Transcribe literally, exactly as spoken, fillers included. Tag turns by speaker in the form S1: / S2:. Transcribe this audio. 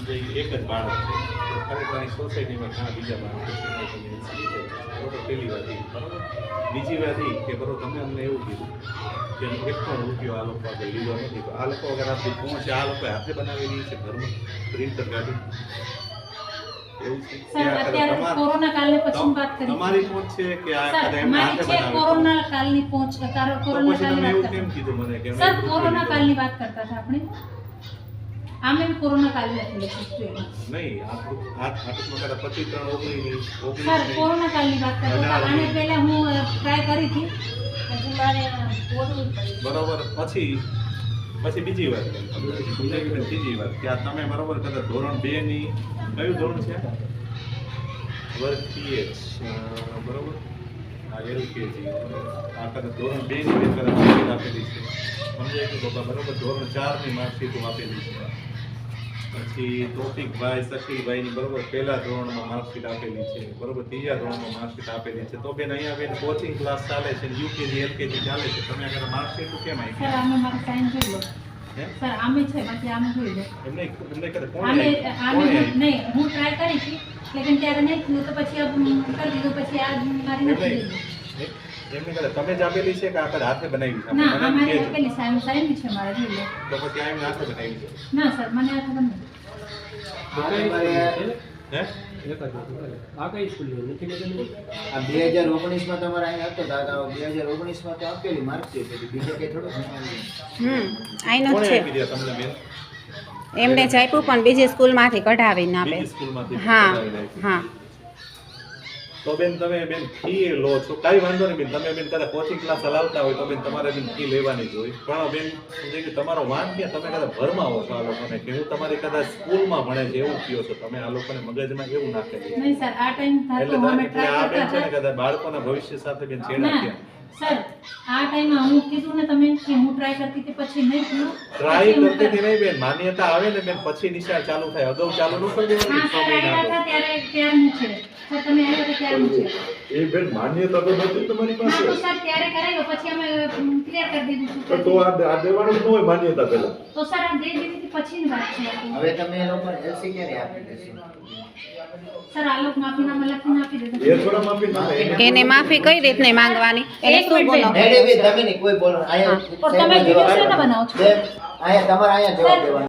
S1: એક જ બાળક છે ખરેખર અહીં સોસાયટીમાં ઘણા બીજા બાળકો છે બરોબર પહેલી વાત એ બરાબર બીજી વાત એ કે બરોબર તમે અમને એવું કીધું કે એક પણ રૂપિયો આ લોકો આગળ લીધો નથી તો આ લોકો અગર આપણી પહોંચે આ લોકો હાથે બનાવેલી છે ઘરમાં પ્રિન્ટર ગાડી એવું છે
S2: સર અત્યારે કોરોના કાલને પછી વાત કરી
S1: તમારી પહોંચ છે કે આ
S2: સર
S1: કદાચ એમને
S2: મારી
S1: હાથે
S2: છે
S1: બનાવેલી
S2: કોરોના કાલની પહોંચ કારો
S1: તો
S2: કોરોના
S1: પછી તમે
S2: કાલની
S1: એવું
S2: વાત
S1: કેમ
S2: કરતા
S1: કીધું મને કે અમે
S2: સર
S1: એક રૂપિયો
S2: કોરોના
S1: લીધો?
S2: કાલની વાત કરતા હતા આપણે આમે કોરોના કાલની હતી લખી
S1: નહીં આ આ આટલું કદાચ પચીસ ત્રણ ઓગણીસ ઓગણીસ
S2: સર કોરોના કાલની વાત કરતા હતા આને પહેલા હું ટ્રાય કરી હતી પછી મારે ઓળવું પડી
S1: બરોબર પછી પછી બીજી વાત બીજી વાત કે આ તમે બરોબર કદાચ ધોરણ બે ની કયું ધોરણ છે વર્ગ પીએચ બરોબર આ એલકેજી આ કદાચ ધોરણ બે ની મેં કદાચ માર્કશીટ આપેલી છે સમજાય કે બાબા બરોબર ધોરણ ચાર ની માર્કશીટ આપેલી છે પછી તોફિકભાઈ શકીલભાઈની બરોબર પહેલા ધોરણમાં માર્કશીટ આપેલી છે બરોબર ત્રીજા ધોરણમાં માર્કશીટ આપેલી છે તો બેન અહીંયા બેન કોચિંગ ક્લાસ ચાલે છે યુકેજી એલકેજી ચાલે છે તમે આગળ માર્કશીટ કેમ આવી
S2: સર આમે મારી સાઈન જોઈ લો સર આમે છે બાકી આમે જોઈ લો
S1: એમને એમને કદાચ કોણ
S2: આમે
S1: આવી?
S2: આમે
S1: કોણ આવી?
S2: નહીં હું ટ્રાય કરી હતી લેકિન ત્યારે નહીં થયું તો પછી અબ કરી દીધું પછી આ મારી નથી
S1: એમને
S2: લીધી
S1: એમને કદાચ તમે જ આપેલી છે કે આ કદાચ હાથે બનાવી છે
S2: ના
S1: મને
S2: આ મારી
S1: કહેજો.
S2: આપેલી સાઈન સાઈન છે મારા જોઈ લો
S1: તો પછી આ એમને હાથે બનાવી છે
S2: ના સર મને આ ખબર નથી
S1: હે
S3: આ કઈ સ્કૂલની નથી લેવાની?
S4: આ બે હજાર ઓગણીસમાં તમારે અહીંયા હતો દાદા બે હજાર ઓગણીસમાં તો આપેલી માર્કશીટ હતી બીજે કંઈ થોડું ભણાવ્યું
S5: હમ આઈનો
S1: કોણે
S5: જ
S1: આપી
S5: છે
S1: દીધા તમને બેન
S5: એમને જ આપ્યું પણ બીજી સ્કૂલમાંથી કઢાવીને આપે
S1: બીજી સ્કૂલમાંથી
S5: હા
S1: કઢાવી નાખી.
S5: હા
S1: તો બેન તમે બેન ફી લો છો કાંઈ વાંધો નહીં બેન તમે બેન કદાચ કોચિંગ ક્લાસ ચલાવતા હોય તો બેન તમારે બેન ફી લેવાની જ હોય પણ બેન જે કે તમારો વાંક ક્યાં તમે કદાચ ભરમાં આવો છો આ લોકોને કે હું તમારી કદાચ સ્કૂલમાં ભણે છે એવું કયો છો તમે આ લોકોને મગજમાં એવું નાખેલું છે.
S2: નહીં સર આ ટાઈમ
S1: એટલે
S2: થતો અમે
S1: તમે- એટલે આ
S2: ટ્રાય
S1: બેન છે ને
S2: કરતા
S1: કદાચ બાળકોના ભવિષ્ય સાથે બેન
S2: હતા
S1: છેડા
S2: ના
S1: થયા
S2: સર આ ટાઈમમાં હું કીધું ને તમે કે હું ટ્રાય કરતી હતી પછી નહીં થયું
S1: ટ્રાય
S2: પછી હું
S1: કરતી હતી નહીં બેન માન્યતા આવે ને બેન પછી નિશાળ ચાલુ થાય અગાઉ ચાલુ ન કરી દેવાની
S2: હા
S1: છ
S2: સર
S1: મહિના
S2: આવ્યા
S1: અગાઉ.
S2: હતા ત્યારે ત્યારનું છે સર તમે આવ્યા હતા ત્યારનું છે
S1: એ બેન માન્યતા તો નથી તમારી
S2: હા
S1: પાસે
S2: તો સર ત્યારે કરાવ્યો પછી અમે ક્લિયર કરી દીધું
S1: તો
S2: શું
S1: આ આ દેવાનું જ ન હોય માન્યતા પહેલા
S2: તો સર આ દે દીધી પછીની વાત છે આ તો.
S4: હવે તમે એ લોકોને એલસી ક્યારે આપી દેશો
S2: સર આ લોકો માફીનામા લખીને આપી દેજો
S1: એ થોડા માફી ના થાય.
S5: એને માફી કઈ રીતની માંગવાની એને
S2: એક
S5: શું
S2: મિનિટ
S5: ગુનો
S2: બેન.
S4: નહીં, નહીં, બેન, તમે નહીં કોઈ બોલો અહીંયા
S2: પણ તમે વિડીયો શેના બનાવો છો?
S4: બેન, અહીંયા તમારે અહીંયા જવાબ દેવાનો